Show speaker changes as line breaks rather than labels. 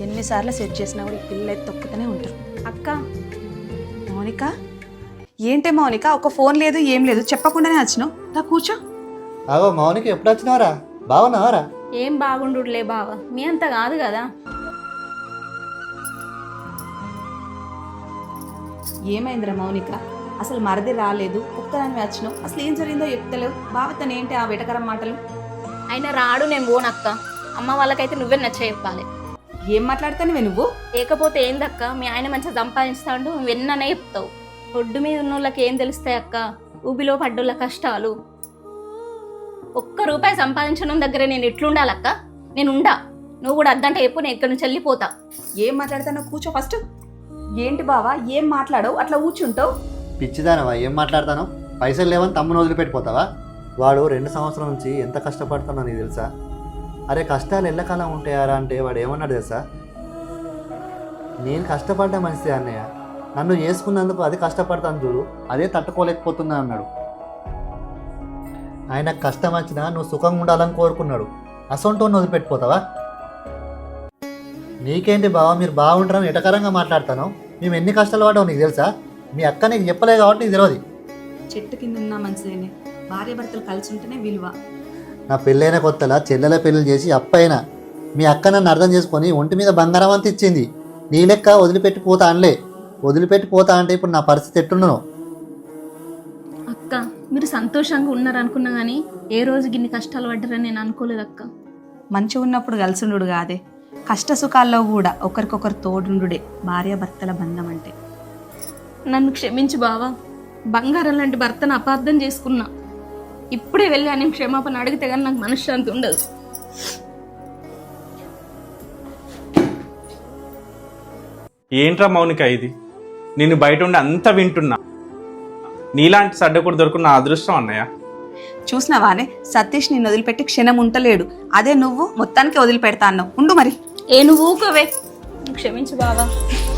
ఎన్నిసార్లు సెట్ చేసినా కూడా ఈ పిల్లలు అయితే తొక్కుతూనే ఉంటారు.
అక్క
మౌనిక, ఏంటే మౌనిక, ఒక ఫోన్ లేదు ఏం లేదు, చెప్పకుండానే వచ్చినావు. దా కూర్చో.
అవో మౌనికి ఎప్పుడు వచ్చినావరా? బాగున్నావరా?
ఏం బాగుండులే బావ, మీ అంత కాదు కదా.
ఏమైందిరా మౌనిక, అసలు మరది రాలేదు, ఒక్కదాన్ని వచ్చినావు, అసలు ఏం జరిగిందో చెప్తలేవు. బావతను ఏంటి ఆ వెటకరం మాటలు?
ఆయన రాడు, నేను పోనక్క. అమ్మ వాళ్ళకైతే నువ్వే నచ్చ చెప్పాలి.
ఏం మాట్లాడతానువే నువ్వు?
లేకపోతే ఏందక్క, మీ ఆయన మంచిగా సంపాదిస్తాడు, నువ్వు ఎన్ననే చెప్తావు. ఒడ్డు మీద ఉన్న వాళ్ళకి ఏం తెలుస్తాయి అక్క, ఊబిలో పడ్డోళ్ళ కష్టాలు. ₹1 సంపాదించడం దగ్గర నేను ఎట్లుండాలక్క? నేను ఉండా, నువ్వు కూడా అద్దంటే చెప్పు, నేను ఇక్కడ నుంచి వెళ్ళిపోతా.
ఏం మాట్లాడతానో కూర్చో ఫస్ట్. ఏంటి బావా, ఏం మాట్లాడవు, అట్లా కూర్చుంటావు?
పిచ్చిదానవా? ఏం మాట్లాడతాను? పైసలు లేవని తమ్ముని వదిలిపెట్టిపోతావా? వాడు 2 సంవత్సరాల నుంచి ఎంత కష్టపడుతున్నా నీకు తెలుసా? అరే కష్టాలు ఎల్లకాలం ఉంటాయారా అంటే వాడు ఏమన్నాడు తెలుసా? నేను కష్టపడ్డా మంచిదే అన్నయ్య, నన్ను చేసుకున్నందుకు అది కష్టపడతాను చూడు, అదే తట్టుకోలేకపోతున్నా అన్నాడు. ఆయన కష్టం వచ్చినా నువ్వు సుఖంగా ఉండాలని కోరుకున్నాడు, అసొంటోని వదిలిపెట్టిపోతావా? నీకేంటి బావ, మీరు బాగుంటారని ఎటకరంగా మాట్లాడతాను. మేము ఎన్ని కష్టాలు పడ్డావు నీకు తెలుసా? మీ అక్క నీకు చెప్పలేదు కాబట్టి నీకు తెలియదు.
చెట్టు కింద ఉన్నా మంచిదేనే, భార్య భర్తలు కలిసి ఉంటేనే విలువ.
నా పెళ్ళైన కొత్తలా చెల్లెల పెళ్ళిళ్ళు చేసి అప్పైనా మీ అక్క నన్ను అర్థం చేసుకొని ఒంటి మీద బంగారం అంత ఇచ్చింది. నీ లెక్క వదిలిపెట్టిపోతా అనలే. వదిలిపెట్టిపోతా అంటే ఇప్పుడు నా పరిస్థితి ఎట్టున్నాను?
అక్క మీరు సంతోషంగా ఉన్నారనుకున్నా కానీ ఏ రోజు గిన్ని కష్టాలు పడ్డారని నేను అనుకోలేదు అక్క.
మంచిగా ఉన్నప్పుడు కలిసిండు కాదే, కష్ట సుఖాల్లో కూడా ఒకరికొకరు తోడుండుడే భార్య భర్తల బంధం అంటే.
నన్ను క్షమించు బావా, బంగారం లాంటి భర్తను అపార్థం చేసుకున్నా. ఇప్పుడే వెళ్ళి అని క్షమాపణ అడిగితే కానీ నాకు మనశ్శాంతి ఉండదు.
ఏంట్రా మౌనిక ఇది? నేను బయట ఉండి అంతా వింటున్నా. నీలాంటి సడ్డకుడు దొరుకున్న అదృష్టం అన్నయ్య.
చూసినావానే, సతీష్ నిన్ను వదిలిపెట్టి క్షణం ఉంటలేడు. అదే నువ్వు మొత్తానికి వదిలిపెడతా అన్నావు. ఉండు మరి.
ఏ నువ్వు ఊకోవే, క్షమించు బావా.